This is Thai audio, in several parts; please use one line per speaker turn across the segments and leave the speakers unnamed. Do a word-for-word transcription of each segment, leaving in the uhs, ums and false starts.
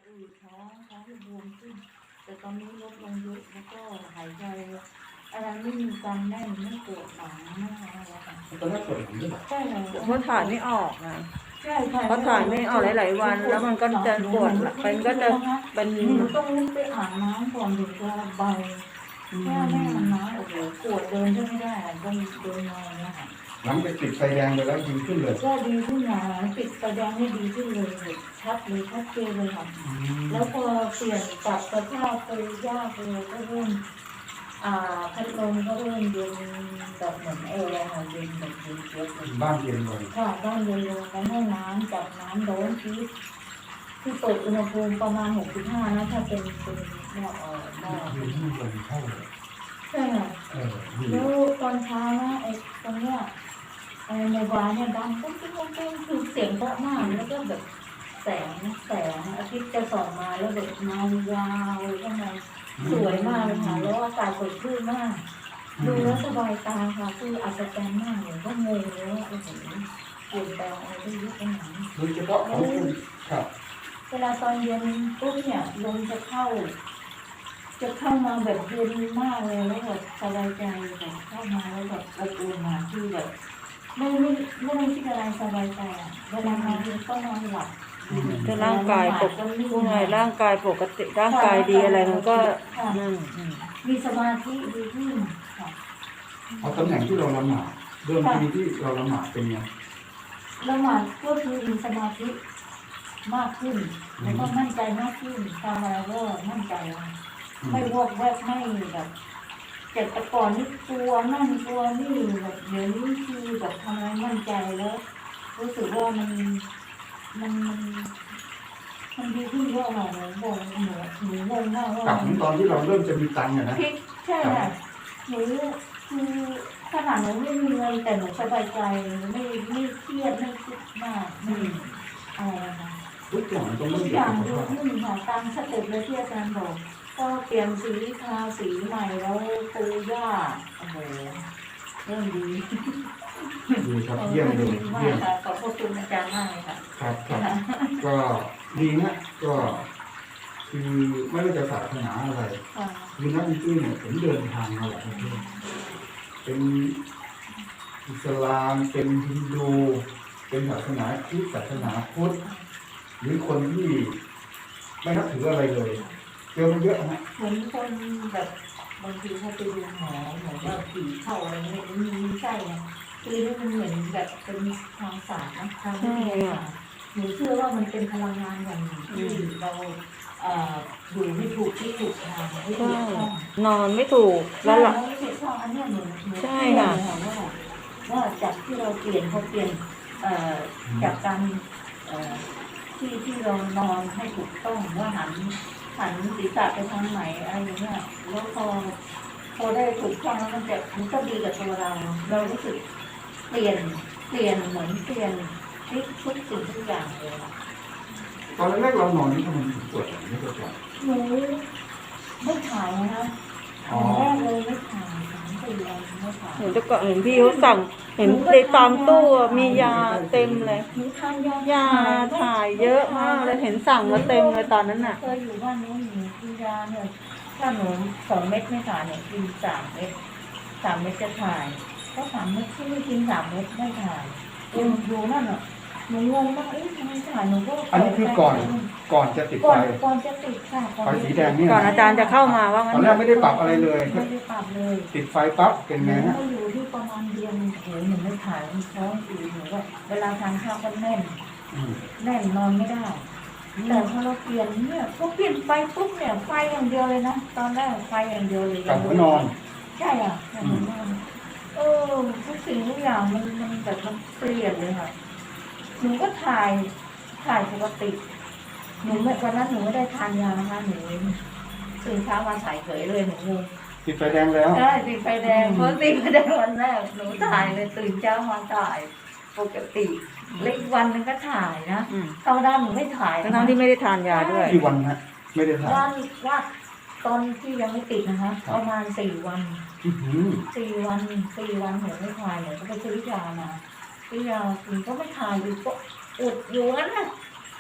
อืดท้องท้องที่บวมขึ้นแต่ตอนนี้ลดลงเยอะแล้วก็หายใจอะไรไม่มีการแน่นไม่ปวดหลังไม่อะไรแล้วค่ะ
ตอนแรกปวดหลังด้วยเหรอ
ใช่ค่ะ
เพราะถ่ายไม่ออกนะ
ใช่ค่ะ
เพราะถ่ายไม่ออกหลายๆวันแล้วมันก็จะปวดมันก็จะเป็น
หนูต้องลุกไปอาบน้ำก่อนถึงจะเบาแค่ไม่อาบน้ำโอ้โหปวดเดินก็ไม่ได้ต้องเดินนอนเนี่ยค่ะ
หลังจากติดไฟแดงไปแล้วดีขึ้นเลย
ก็ดีขึ้นนะติดไฟแดงนี่ดีขึ้นเลยชัดเลยชัดเจนเลยค่ะแล้วพอเปลี่ยนปรับสภาพไปยากเลยก็เริ่มอ่าพัดลมก็เริ่มเย็นแบบเหมือนแอร์ค่ะเย็นแบบเย็นเจี๊ยบเลย
บ้านเย็นเลย
ค่ะบ้านเย็นลงในห้องน้ำจับน้ำร้อนที่ที่เปิดอุณหภูมิประมาณหกสิบห้านะถ้าเป็นเป็นหม้อเอ่อหม้อ
ยืนที่ลมเข้าเลย
ใช่ค่ะ
เออดี
แล้วตอนเช้านะไอ้ตรงเนี้ยไอ้ในบ้านเนี่ยดังปุ๊บปุ๊บปุ๊บปุ๊บคือเสียงเพราะมากแล้วก็แบบแสงแสงอาทิตย์จะส่องมาแล้วแบบเงายาวข้างในสวยมากเลยค่ะแล้วอากาศสดชื่นมากดูแล้วสบายตาค่ะคืออัศจรรย์มากเลยก็งงเลยว่าโอ้โหเปลี่ยนแปลงอะไรได้เยอะขนาดนี้
โดยเฉพาะของคุณครับ
เวลาตอนเย็นปุ๊บเนี่ยลมจะเข้า จะเข้ามาแบบเย็นมากเลยแล้วแบบสบายใจแบบเข้ามาแล้วแบบอบอุ่นมาคือแบบไม่ไม่ไม่ต้องคิดอะไรสบายใจอ่ะเวลานอนก็นอนหลับ
ถ้าร่างกายปกติพูดไงร่างกายปกติร่างกายดีอะไรมันก็นั่น
มีสมาธิดีขึ้นค่ะ
เอาตำแหน่งที่เราละหมาดเดิมทีที่เราละหมาดเป็นไง
ละหมาดก็คือมีสมาธิมากขึ้นแล้วก็มั่นใจมากขึ้นทำอะไรก็มั่นใจไม่วอกแวกไม่แบบเจ็บแต่ก่อนนี่กลัวนั่นกลัวนี่แบบเดี๋ยวนี้คือแบบทำอะไรมั่นใจแล้วรู้สึกว่ามันมันมันมันดีขึ้นเยอะเลยหนูบอกหนูหนูงงมากว่าก
ลับถึงตอนที่เราเริ่มจะมีตังค์อะนะ
พลิกใช่ค่ะหนูคือขนาดหนูไม่มีเงินแต่หนูสบายใจไม่ไม่เครียดไม่คิดมากไม่อะไรนะคะ
ทุกอย่างมันต้อง
ทุ
เริ่
ก
ม
อ
จาก
ย่าง
สุข
ดี
ภาพ
ขึ้นค่ะตามสเต็ปเลยที่อาจารย์บอกก็เปลี่ยนสีทาสีใหม่แล้วปูย่าโอ้โหเริ่มดี
ดีครับเยี่ยมเลย
มาก
เยี่ยม
ค่ะขอบพระคุณอาจารย์มากเลยค่ะ
ครับครับก็ดีนะก็คือไม่ว่าจะศาสนาอะไร
ค่ะ
คือนักดนตรีเนี่ยผมเดินทางมาหลายประเทศเป็นอิสลามเป็นฮินดูเป็นศาสนาคริสต์ศาสนาพุทธหรือคนที่ไม่นับถืออะไรเลยเจอมาเยอะนะ
เหมือนคนแบบบางทีเขาไปดูหมอหมอว่าผีเข้าอะไรเงี้ยมีมีไส้เนี่ยคือมันเหมือนแบบเป็นทางศาสตร์นะทางวิทยาศาสตร์หนูเชื่อว่ามันเป็นพลังงานอย่างหนึ่งที่เราเอ่ออยู่ไม่ถูกที่ถูกทางไม่ถู
ใช่
กต้อง
นอนไม่ถูกแล้วหลับ
ไม่ถูกต้องอันเนี้ยหนูหนู
ใช่
เชื่อ
ค่ะ
เลยค่ะว่าว่าจากที่เราเปลี่ยนพอเปลี่ยนเอ่อจากการเอ่อที่ที่เรานอนให้ถูกต้องว่าหันหันศีรษะไปทางไหนอะไรอย่างเงี้ยแล้วพอพอได้ถูกต้องแล้วมันจะมันก็ดีกับตัวเรา เรารู้สึกเปลี่ยนเปลี่ยนเหมือนเปลี่ยนพลิกทุกสิ่งทุกอย่างเลยค่ะ
ตอนแรกๆเรานอนนี่ทำไมถึงปวดหลังไม่ปวดหลัง
หนูไม่ถ่ายนะคะตอนแรกเลยไม่ถ่ายสามสี่วันไม่ถ่าย
เห็นแต่ก่อนเห็นพี่เขาสั่งเห็นในตามตู้อะมียาเต็มเลย
หนูทานยาย
าถ่ายเยอะมากเลยเห็นสั่งมาเต็มเลยตอนนั้นน่ะ
เคยอยู่บ้านนู้นหนูกินยาเนี่ยถ้าหนูสองเม็ดไม่ถ่ายเนี่ยกินสามเม็ดสามเม็ดจะถ่ายก็สามเม็ดที่ไม่กินสามเม็ดไม่ถ่ายยังอยู่นั่นอ่ะหนูงงมากเอ๊ะทำไมถ่ายหนูก็
อันนี้คือก่อนก่อนจะติด
ก่อ
ไฟ
นก่อนจะติดค่ะ
ไฟสีแดงเนี่ย
ก่อนอาจารย์จะเข้ามาว่า
ต
งั้
อน
น
แรกไม่ได้ปรับอะไรเลย
ไม่ได้ปรับเลย
ติดไฟปั๊บเป็นไงฮะ
ก็อยู่ที่ประมาณเดือนโอ้โหหนูไม่ถ่ายมันท้องอืดหนูก็เวลาทานข้าวก็แน่น
อืม
แน่นนอนไม่ได้ แต่พอเราเปลี่ยนเนี่ยพอเปลี่ยนไฟปุ๊บเนี่ยไฟอย่างเดียวเลยนะตอนแรกไฟอย่างเดียวเลย
กลับหัวนอน
ใช่อ่ะกลับหัวนอนเออทุกสิ่งทุกอย่างมันมันแบบมันเปลี่ยนเลยค่ะหนูก็ถ่ายถ่ายปกติหนูไม่วันนั้นหนูไม่ได้ทานยานะคะหนูตื่นเช้ามาถ่ายเฉยเลยหนูงง
ติดไฟแดงแล้ว
ใช่ติดไฟแดงเพราะติดไฟแดงวันแรกหนูถ่ายเลยตื่นเช้ามาถ่ายปกติเล็กวันหนึงก็ถ่ายนะ
อืม
ธรรมดาหนูไม่ถ่ายนะ
ทั้งๆที่ไม่ได้ทานยาด้วย
กี่วันฮะไม่ได้ทาน
วันว่าตอนที่ยังไม่ติดนะคะ
ครับ
ประมาณสี่วัน
อื้อหือ
สี่วันสี่วันหนูไม่ถ่ายหนูก็ไปซื้อยามาซื้อยากินก็ไม่ถ่ายอยู่ก็อุดอยู่งั้นน่ะ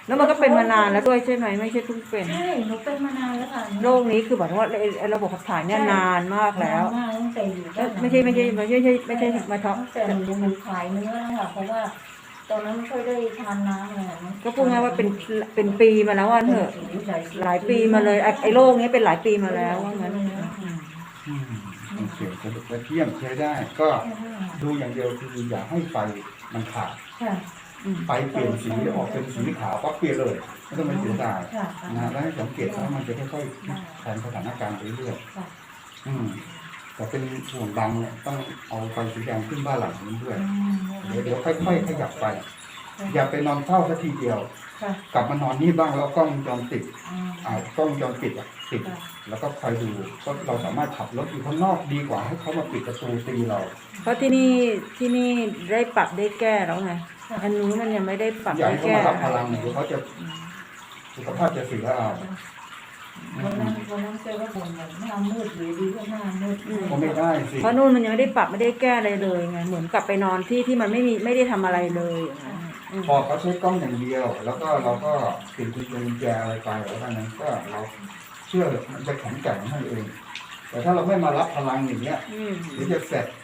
แล้วมันก็เป็นมานานแล้วด้วยใช่ไหมไม่ใช่เพิ่งเป็น
ใช่หนูเป็นมานานแล้วค่ะ
โรคนี้คือแบบว่าไอ้ไอ้ระบบขับถ่ายเนี่ยนานมากแล้ว
นานมากตั้งแต่อยู่
แล้วไม่ใช่ไม่ใช่ไม่ใช่ไม่ใช่ไม่ใช่มาท้อง
ตั้งแต่หนูหนูขายเนื้อแล้วค่ะเพราะว่าตอนนั้นไม่ค่อยได้ทานน้ำอะไรนะ
ก็พูดง่ายว่าเป็นเป็นปีมาแล้วว่าเถอะหลายปีมาเลยไอ้ไอ้โรคนี้เป็นหลายปีมาแล้วว่างั้น
อืมโอเคสรุปว่าเที่ยมใช้ได้ ก็ดูอย่างเดียวคืออย่าให้ไฟมันขาด
ค่ะ
ไฟเปลี่ยนสีออกเป็นสีขาวก็เปลี่ยนเลยไม่ต้องไปเสียดาย
ค่ะ
นะแล้วให้สังเกตว่ามันจะค่อยๆแทนสถานการณ์ไปเรื่อย
ค่ะ
ๆอืมแต่เป็นห่วงดังเนี่ยต้องเอาไฟสีแดงขึ้นบ้านหลังนี้ด้วย เดี๋ยวเดี๋ยวค่อยๆขยับไป อย่าไปนอนเฝ้าสักทีเดียว
ค่ะ
กลับมานอนนี่บ้างแล้วกล้องวงจรปิด
อืม
อ่ากล้องวงจรปิดอ่ะติด แล้วก็คอยดูก็เราสามารถขับรถอยู่ข้างนอกดีกว่าให้เขามาปิดประตูตีเรา
เพราะที่นี่ที่นี่ได้ปรับได้แก้แล้วไงอันนู้นมันยังไม่ได้ปรับ
อย่า
ได้
ให้เขา
แก้
มารับพลังเดี๋ยวเขาจะสุขภาพจะเสียเอา
วันนั้นวันนั้นเจอก็บ่นแบบหน้ามืดอยู่ดีก็หน้ามืด
ก็ไม่ได้สิ
เพราะนู่นมันยังไม่ได้ปรับไม่ได้แก้อะไรเลยไงเหมือนกลับไปนอนที่ที่มันไม่มีไม่ได้ทำอะไรเลยอย่างนั้นอืม
พอเขาใช้กล้องอย่างเดียว แล้วก็เราก็ติดกุญแจอะไรไปแล้วกันนั้นก็เราเชื่อมันจะแข็งแกร่งให้เอง แต่ถ้าเราไม่มารับพลังอย่างเงี้ย
อืม
เดี๋ยวจะเสร็จ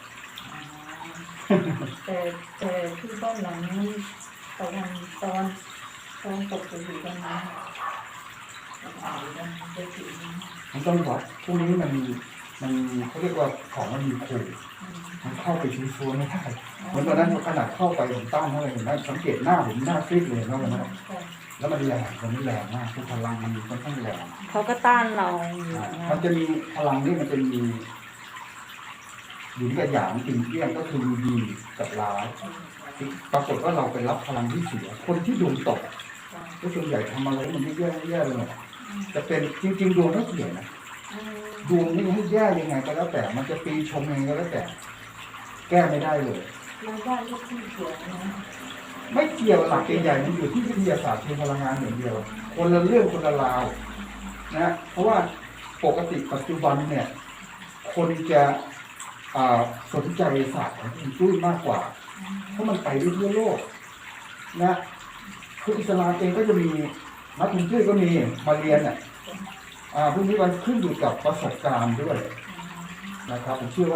แต่แต่ที่บ้านหลังนี้ตอนตอนตอนตกไปอยู่ตรงนั้นไปถึง
มันต้องวัดพวกนี้มันมันเขาเรียกว่าของมันมีขู่มันเข้าไปชื้อซัวไม่ได้เหมือนตอนนั้นขนาดเข้าไปผมต้านเท่าไหร่เห็นไหมสังเกตหน้าผมหน้าซีดเลยเห็นไหมวันนั้นแล้วมันแรงมันไม่แรงมากทุกพลังมันค่อนข้างแรง
เขาก็ต้านเราอยู่
อ่า
นะ
มันจะมีพลังนี่มันจะมีหยินกับหยางติ่งเอี้ยงก็คือมีดีกับร้ายปรากฏว่าเราไปรับพลังที่เสียคนที่ดวงตกก็ส่วนใหญ่ทำอะไรมันไม่แย่ไม่แย่เลยจะเป็นจริงๆดวงไม่เสียนะดวงนี่ให้แย่ยังไงก็แล้วแต่ มันจะปีชงยังไงก็แล้วแต่ แก้ไม่ได้เลย
เราบ้านลูกที่เสียนะ
ไม่เกี่ยวหลักใหญ่ๆมันอยู่ที่วิทยาศาสตร์เชิงพลังงานอย่างเดียว คนละเรื่องคนละราวนะเพราะว่าปกติปัจจุบันเนี่ย คนจะอ่าสนใจศาสตร์ของอินจุ้ยมากกว่า เพราะมันไปได้ทั่วโลกนะคืออิสลามเองก็จะมีนักอินจุ้ยก็มีมาเรียนอ่ะอ่าพวกนี้มันขึ้นอยู่กับประสบการณ์ด้วยนะครับผมเชื่อว่า